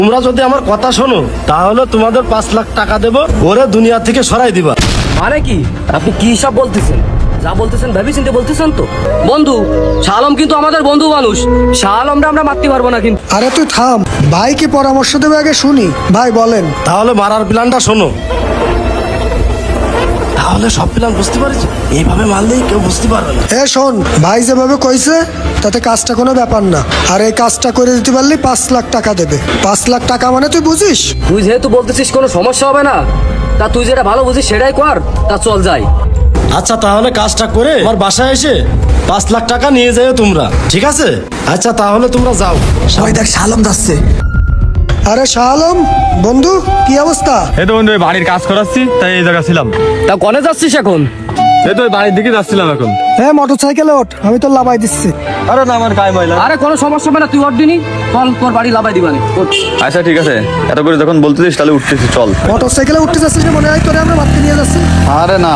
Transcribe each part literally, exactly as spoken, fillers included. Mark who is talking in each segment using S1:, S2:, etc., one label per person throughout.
S1: তোমরা যদি আমার কথা শোনো তাহলে তোমাদের পাঁচ লাখ টাকা দেবো, ওরে দুনিয়া থেকে সরাই দিবা।
S2: মানে কি আপনি কি সব বলতেছেন? যা বলতেছেন ভেবে চিন্তে বলতেছেন তো? বন্ধু, শাহ আলম কিন্তু আমাদের বন্ধু মানুষ, শাহ আলমরা আমরা মারতে পারবো না কিন্তু।
S3: আরে তুই থাম, ভাই কি পরামর্শ দেবে আগে শুনি। ভাই বলেন।
S1: তাহলে মারার প্ল্যানটা শোনো। তাহলে সব প্ল্যান বুঝতে পারছি, এইভাবে মারলেই কেউ বুঝতে পারবে না।
S3: এ শোন, ভাই যেভাবে কইছে তাতে কাজটা কোনো ব্যাপার না। আর এই কাজটা করে দিতে পারলে পাঁচ লাখ টাকা দেবে। পাঁচ লাখ টাকা মানে তুই বুঝিস?
S2: তুই যেহেতু বলতেছিস কোনো সমস্যা হবে না, তা তুই যেটা ভালো বুঝিস সেটাই কর। তা চল যাই।
S1: আচ্ছা তাহলে কাজটা করে আমার বাসায় এসে পাঁচ লাখ টাকা নিয়ে যাও তোমরা, ঠিক আছে? আচ্ছা তাহলে তোমরা যাও।
S4: ওই দেখ শালম যাচ্ছে।
S3: আরে শাহ আলম বন্ধু, কি অবস্থা?
S5: এই তো বন্ধু, এই বাড়ির কাজ করাচ্ছি, তাই এই জায়গা ছিলাম।
S2: তা কনে যাচ্ছিস এখন?
S5: এই তো ওই বাড়ির দিকে যাচ্ছিলাম এখন।
S3: হ্যাঁ, মোটর সাইকেলে ওঠ, আমি তো লাভাই দিচ্ছি।
S5: আরে না, আমার গায়ে ময়লা।
S2: আরে কোনো সমস্যা হবে না, তুই ওর দিনই চল, তোর বাড়ি লাভাই দিবানি।
S5: আচ্ছা ঠিক আছে, এত করে যখন বলতেছিস তাহলে উঠতেছি, চল।
S3: মোটর সাইকেলে উঠতে যাচ্ছিস মনে হয় তোরে আমরা মারতে নিয়ে যাচ্ছি।
S5: আরে না,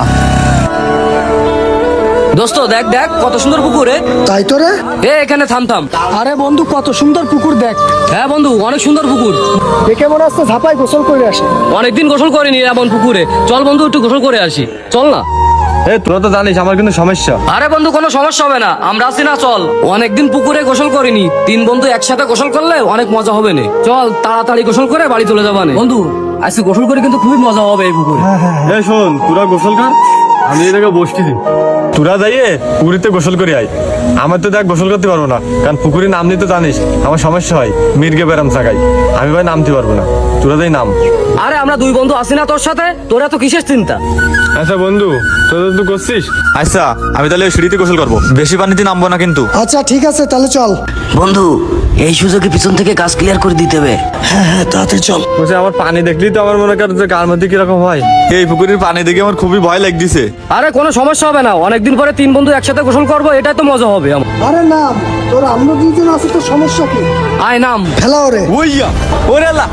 S2: দোস্ত দেখ দেখ কত সুন্দর পুকুরে।
S3: তাই তো রে।
S2: এ এখানে থাম থাম।
S3: আরে বন্ধু, কত সুন্দর পুকুর দেখ।
S2: হ্যাঁ বন্ধু, অনেক সুন্দর পুকুর।
S3: দেখে মনে হচ্ছে ঝাপাই গোসল করে আসে।
S2: অনেকদিন গোসল করিনি এমন পুকুরে, চল বন্ধু একটু গোসল করে আসি, চল না।
S5: এই তোরা তো জানিস আমার কিন্তু সমস্যা।
S2: আরে বন্ধু কোনো সমস্যা হবে না, আমরা আছি না, চল। অনেকদিন পুকুরে গোসল করিনি, তিন বন্ধু একসাথে গোসল করলে অনেক মজা হবে না। চল তাড়াতাড়ি গোসল করে বাড়ি চলে যাবানে। বন্ধু আজকে গোসল করে কিন্তু খুবই মজা হবে এই পুকুরে।
S5: এই শোন, তোরা গোসল কর, আমি এই জায়গায় বসতেছি। তোরা যাইয়ে পুকুরিতে গোসল করে আয়। আমার তো দেখ গোসল করতে পারবো না, কারণ পুকুরে নাম নিতে জানিস আমার সমস্যা হয়, মির্গে বেরাম থাকাই। আমি ভাই নামতে পারবো না, তোরা যাই নাম।
S2: আরে আমরা দুই বন্ধু আছি না তোর সাথে, তোরা তো কিসের চিন্তা?
S5: আচ্ছা বন্ধু, তোরা তো করছিস।
S6: আচ্ছা আমি তাহলে সিঁড়িতে গোসল করবো, বেশি পানিতে নামবো না কিন্তু।
S3: আচ্ছা ঠিক আছে, তাহলে চল।
S4: বন্ধু, এই সুযোগে পিছন থেকে কাজ ক্লিয়ার করে দিতে হবে।
S3: হ্যাঁ হ্যাঁ, তাড়াতাড়ি চল।
S5: বলছে আমার পানি দেখলি তো আমার মনে কর যে কার মধ্যে কিরকম হয়।
S6: এই পুকুরের পানি দেখে আমার খুবই ভয় লাগতেছে।
S2: আরে কোনো সমস্যা হবে না, অনেকদিন পরে তিন বন্ধু একসাথে গোসল করবো, এটাই তো মজা হবে আমার।
S3: আরে নাম, তোর আমরা দুজন আছি, তোর সমস্যা কি?
S2: আয় নাম।
S3: ফেলা ওরে।
S6: ওইয়া ওরে আল্লাহ,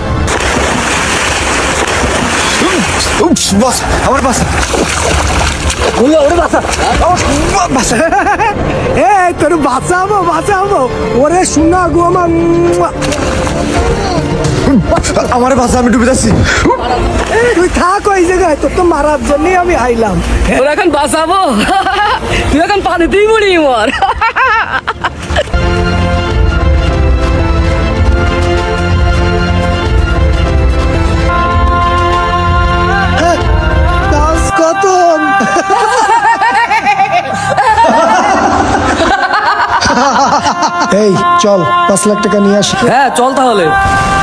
S6: উফ, বাস আমার বাস।
S3: এই তোর বাঁচাবো বাঁচাবো, ওরে শোনা গো আমার।
S6: আমার বাসা, আমি ডুবে যাচ্ছি।
S3: তুই থাক ওই জায়গায়, তোর তো মারার জন্যই আমি আইলাম।
S2: তোর এখন বাঁচাবো? তুই এখন পানিতেই মরি মর।
S3: কাজ খতম। এই চল, পাঁচ লাখ টাকা নিয়ে আসি।
S2: হ্যাঁ চল তাহলে।